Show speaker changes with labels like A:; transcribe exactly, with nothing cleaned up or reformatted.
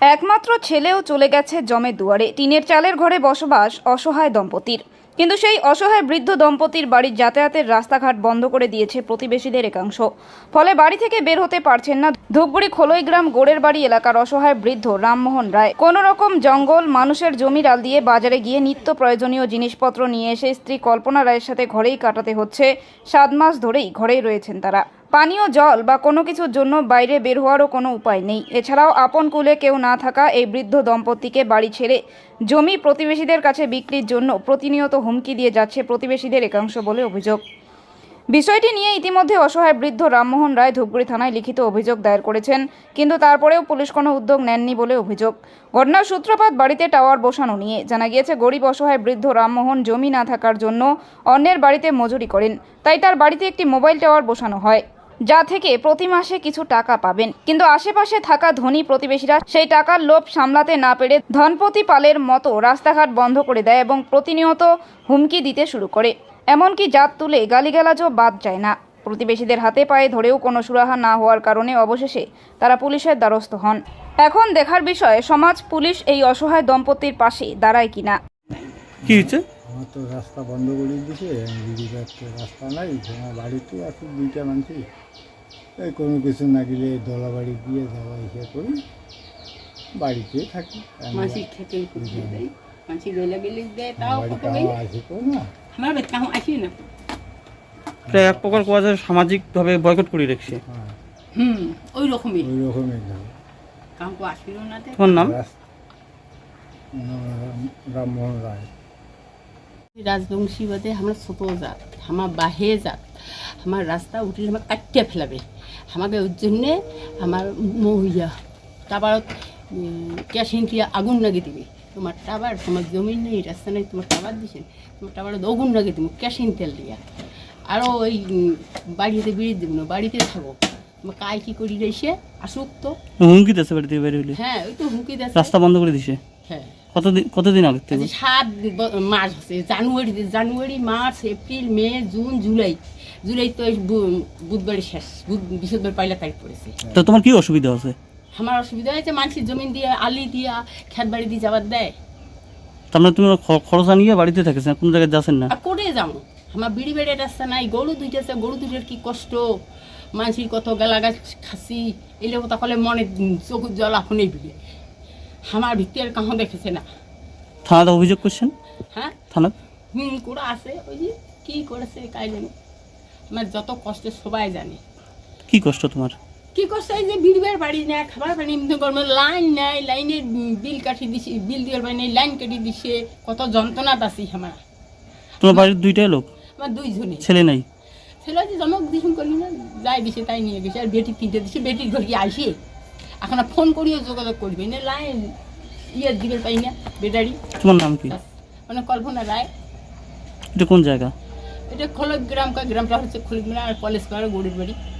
A: একমাত্র ছেলেও চলে গেছে জমের দুয়ারে। টিনের চালের ঘরে বসবাস অসহায় দম্পতির, কিন্তু সেই অসহায় বৃদ্ধ দম্পতির বাড়ির যাতায়াতের রাস্তাঘাট বন্ধ করে দিয়েছে প্রতিবেশীদের একাংশ। ফলে বাড়ি থেকে বের হতে পারছেন না ধূপগুড়ি খোলইগ্রাম গোড়ের বাড়ি এলাকার অসহায় বৃদ্ধ রামমোহন রায়। কোনো রকম জঙ্গল মানুষের জমি ডাল দিয়ে বাজারে গিয়ে নিত্য প্রয়োজনীয় জিনিসপত্র নিয়ে এসে স্ত্রী কল্পনা রায়ের সাথে ঘরেই কাটাতে হচ্ছে। সাত মাস ধরেই ঘরেই রয়েছেন তারা। পানীয় জল বা কোনো কিছুর জন্য বাইরে বের হওয়ারও কোনো উপায় নেই। এছাড়াও আপন কুলে কেউ না থাকা এই বৃদ্ধ দম্পতিকে বাড়ি ছেড়ে জমি প্রতিবেশীদের কাছে বিক্রির জন্য প্রতিনিয়ত হুমকি দিয়ে যাচ্ছে প্রতিবেশীদের একাংশ বলে অভিযোগ। বিষয়টি নিয়ে ইতিমধ্যে অসহায় বৃদ্ধ রামমোহন রায় ধূপগুড়ি থানায় লিখিত অভিযোগ দায়ের করেছেন, কিন্তু তারপরেও পুলিশ কোনো উদ্যোগ নেননি বলে অভিযোগ। ঘটনার সূত্রপাত বাড়িতে টাওয়ার বসানো নিয়ে। জানা গিয়েছে গরিব অসহায় বৃদ্ধ রামমোহন জমি না থাকার জন্য অন্যের বাড়িতে মজুরি করেন, তাই তার বাড়িতে একটি মোবাইল টাওয়ার বসানো হয়, যা থেকে প্রতি মাসে কিছু টাকা পাবেন। কিন্তু আশেপাশে থাকা ধনী প্রতিবেশীরা সেই টাকার লোভ সামলাতে না পেরে ধনপতি পালের মতো রাস্তাঘাট বন্ধ করে দেয় এবং প্রতিনিয়ত হুমকি দিতে শুরু করে। এমনকি জাত তুলে গালিগালাজও বাদ যায় না। প্রতিবেশীদের হাতে পায়ে ধরেও কোনো সুরাহা না হওয়ার কারণে অবশেষে তারা পুলিশের দ্বারস্থ হন। এখন দেখার বিষয় সমাজ পুলিশ এই অসহায় দম্পতির পাশে দাঁড়ায় কিনা।
B: কি হচ্ছে?
C: আমার তো রাস্তা বন্ধ করে দিয়েছে, দিদিকার তো রাস্তা নাই, আমার বাড়িতে আছে দুইটা মানুষ, এই কোনো কিছু না গেলে দলা বাড়ি দিয়ে যাওয়া ইসে করি, বাড়িতে থাকি।
D: মাসি খেতে দেয়, মাসি গেলে গেলে দেয়, তাও কত
C: বাড়িতে আসে তো না,
D: আমার বেটা আসি না।
B: এটা এক প্রকার কোয়া যায় সামাজিকভাবে বয়কট করে রেখেছে।
C: হ্যাঁ
D: হুম, ওই রকমই
C: ওই রকমই যাবে।
D: কাউকে আসিল না।
B: তোমার নাম?
C: রামমোহন রায়।
D: রাজবংশী বাদে আমার ছোট জাত, আমার বাহে জাত, আমার রাস্তা উঠলে আমার কাটিয়ে ফেলাবে। আমাকে ওর জন্যে আমার মহিয়া তারপর কেশিন দিয়ে আগুন লাগিয়ে দিবে। তোমার টাবার, তোমার জমি নেই, রাস্তা নেই, তোমার টাবার দিছেন, তোমার টাবার আগুন লাগিয়ে দেবো কেশিন তেল দিয়া। আরও ওই বাড়িতে বেরিয়ে দেবো না, বাড়িতে থাকো। তোমার কায় কী করি এসে আসুক তো।
B: হুমকি দিচ্ছে বাড়ি থেকে বের হইলে?
D: হ্যাঁ, ওই তো হুমকি দিচ্ছে।
B: রাস্তা বন্ধ করে দিছে?
D: হ্যাঁ।
B: কতদিন কতদিন আগে থেকে?
D: সাত মাস হচ্ছে, জানুয়ারি জানুয়ারি মার্চ এপ্রিল মে জুন জুলাই, জুলাই তো বুধবারে শেষ, বৃহস্পতিবার পয়লা তারিখ পড়েছে।
B: তো তোমার কি অসুবিধা আছে?
D: আমার অসুবিধা হয়েছে মানুষের জমিন দিয়ে আলি দিয়া খেত বাড়ি দিয়ে যাবার দেয়।
B: তার মানে তুমি খরচ আনিয়ে বাড়িতে থাকেছ না, কোনো জায়গায় যাচ্ছেন না?
D: আর করে যাবো, আমার বিড়ি বেড়ে রাস্তা নাই, গরু দুইটা আছে, গরু দুইটার কি কষ্ট, মানুষের কত গালা গাছ খাসি এলে কথা কলে মনে চোখের জল এখনই বিড়ে। আমার ভিত্তি আর কাহো দেখেছে না।
B: থানাতে অভিযোগ করছেন?
D: হ্যাঁ,
B: থানা
D: হুম করে আছে, ওই যে কী করেছে কাই জানি। আমার যত কষ্ট সবাই জানে।
B: কি কষ্ট তোমার?
D: কি করছে, এই যে বিড়িবার বাড়ি না, খাবার পানি এমনি করবো, লাইন নাই, লাইনের বিল কাটি দিছে, বিল দেওয়ার পানি লাইন কাটি দিছে, কত যন্ত্রণা পাচ্ছি আমার।
B: তোমার বাড়ির দুইটাই লোক?
D: আমার দুইজনে
B: ছেলে নাই?
D: ছেলে যে জমক দিন করি না, যাই দিছে তাই নিয়ে গেছে। আর বেটি তিনটে দিছে, বেটির ঘর গিয়ে আসে, এখন ফোন করিও যোগাযোগ করবে না, লাইন ইয়ে দিবে পাই না বেটারি।
B: তোমার নাম কি?
D: মানে কল্পনা রায়।
B: এটা কোন জায়গা?
D: এটা খোলগ্রাম, গ্রামটা হচ্ছে খোলগ্রাম আর কলেজ পাড়া গড়ির বাড়ি।